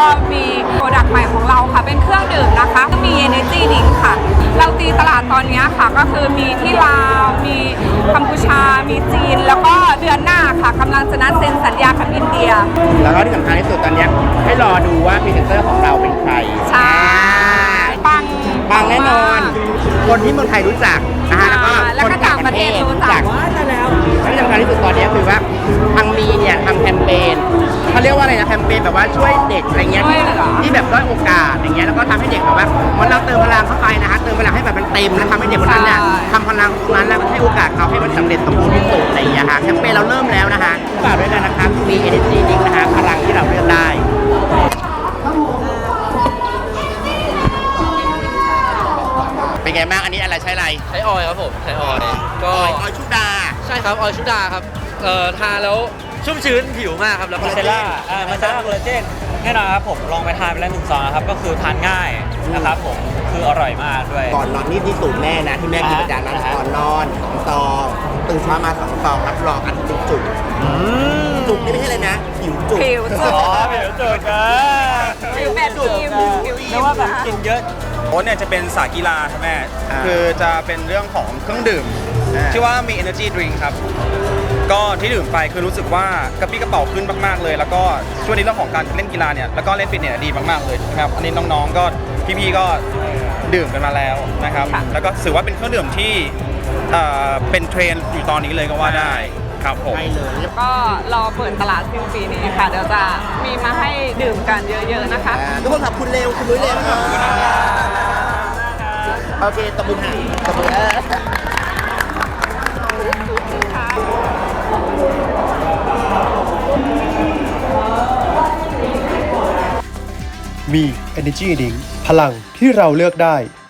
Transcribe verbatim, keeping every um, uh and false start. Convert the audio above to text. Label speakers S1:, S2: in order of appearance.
S1: ก็มีโปรดักต์ใหม่ของเราค่ะเป็นเครื่องดื่มนะคะมี Energy Drink ค่ะเราตีตลาดตอนนี้ค่ะก็คือมีที่ลาวมีกัมพูชามีจีนแล้วก็เดือนหน้าค่ะกำลังจะนัดเซ็นสัญญากับอินเดีย
S2: แล้วก็ที่สำคัญที่สุดตอนนี้ให้รอดูว่าพรีเซนเตอร์ของเราเป็นใคร
S1: ใช่ปัง
S2: ปังแน่นอนคนที่เมืองไทยรู้จักนะฮะแล้วก็คนต่างประเทศรู้จักแล้วที่สำคัญที่สุดตอนนี้คือว่าทางมีเนี่ยทำแคมเปญเขาเรียกว่าอะไรนะแคมเปญแบบว่าช่วยเด็กอะไรเงี้ยที่แบบด้อยโอกาสอย่างเงี้ยแล้วก็ทำให้เด็กแบบว่ามันเราเติมพลังเข้าไปนะฮะเติมพลังให้แบบมันเต็มแล้วทำให้เด็กคนนั้นเนี่ยทำพลังตรงนั้นแล้วให้โอกาสเขาให้มันสำเร็จสมบูรณ์ที่สุดอะไรอย่างเงี้ยฮะแคมเปญเราเริ่มแล้วนะฮะฝากด้วยกันนะครับมี Energy Drink นะฮะพลังที่เราเลือกได้เป็นไงบ้างอันนี้อะไรใช้อะไร
S3: ใช้ออยล์ครับผมใช้ออยล์ก็
S2: ออยล์ชุดา
S3: ใช่ครับออยล์ชุดาครับเอ่อทาแล้วชุ่มชื้นผิวมากครับแล้ว
S4: มาเซล่าอ่ามาเซล่าโคลลาเจนแน่นอนครับผมลองไปทานไปแล้วหนึ่งซองนะครับก็คือทานง่ายนะครับผมคืออร่อยมากด้วย
S2: ก่อนนอนนี่ที่สูตรแม่นะที่แม่กินประจำนั้นก่อนนอนสองซองตื่นเช้ามาสองซองรับรองอันจุกจุกจุกนี่ไม่ใช่เลยนะผิวจุก
S1: ผิวจุก
S4: อ๋อผิวจุกอ่ะ
S1: ผิวแบบอิ่มผิวอิ่ม
S4: ไม่ว่าแบบกินเยอะ
S5: โค้ชเนี่ยจะเป็นสายกีฬาใช่ไหมคือจะเป็นเรื่องของเครื่องดื่มที่ว่ามี energy drink ครับก็ที่ดื่มไปคือรู้สึกว่ากระปี้กระเป๋าขึ้นมากๆเลยแล้วก็ช่วงนี้เรื่องของการเล่นกีฬาเนี่ยแล้วก็เล่นฟิตเนสดีมากๆเลยนะครับอันนี้น้องๆก็พี่ๆก็ดื่มกันมาแล้วนะครับแล้วก็ถือว่าเป็นเครื่องดื่มที่เป็นเทรนด์อยู่ตอนนี้เลยก็ว่าได้ครับผม
S1: ก็รอเปิดตลาดสิ้นปีนี้ค่ะเดี๋ยวจะมีมาให้ดื่มกันเยอะๆนะคะ
S2: ทุกคนขอบคุณเร็วคุณนุ้ยเร็วโอเคตบมือให้ตบมือ
S6: มี Energy Drink พลังที่เราเลือกได้